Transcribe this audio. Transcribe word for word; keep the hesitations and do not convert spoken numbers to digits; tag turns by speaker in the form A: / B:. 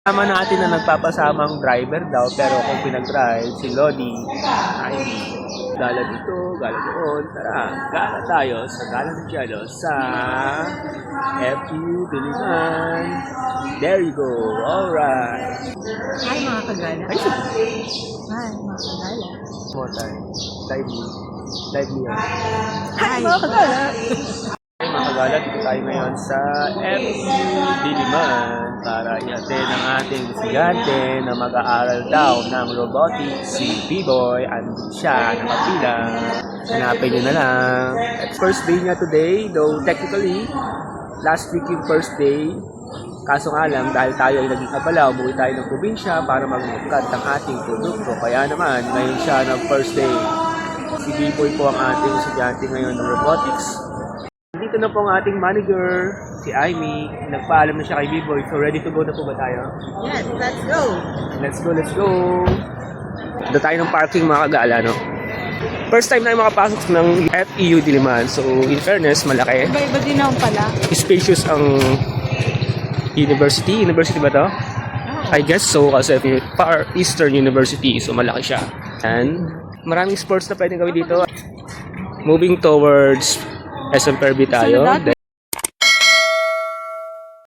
A: Kasama natin na nagpapasamang driver daw, pero kung pinag-drive si Lodi, ay gala dito, gala doon. Tara, gala tayo sa Gala de Cielo sa F U Diliman. There you go, alright.
B: Hi mga kagala.
A: Ay, sige.
B: Hi mga kagala.
A: More time. Dive me. Dive me yan.
B: Hi mga kagala.
A: Ay, mga kagala, dito tayo ngayon sa F U Diliman para i-attend ang ating estudyante na mag-aaral daw ng robotics, si B-Boy. Andun siya, nakapila. Hanapin nyo na lang. First day niya today, though technically, last week yung first day. Kaso nga lang, dahil tayo ay naging abala, umuwi tayo ng probinsya para mag-cut ang ating produkto. Kaya naman, ngayon siya ng first day. Si B-Boy po ang ating estudyante ngayon ng robotics. Dito na po ang ating manager, si Aimee. Nagpaalam na siya kay B-Boy. So ready to go na po ba tayo?
B: Yes, let's go.
A: Let's go, let's go! Dito tayo ng parking mga kagala, no? First time na makapasok ng F E U Diliman. So in fairness, malaki.
B: Iba-iba din naman pala.
A: Spacious ang university. University ba to?
B: Oh.
A: I guess so kasi Far Eastern University. So malaki siya. And maraming sports na pwedeng gawin dito. Moving towards S M Perby tayo.
B: Sunod natin.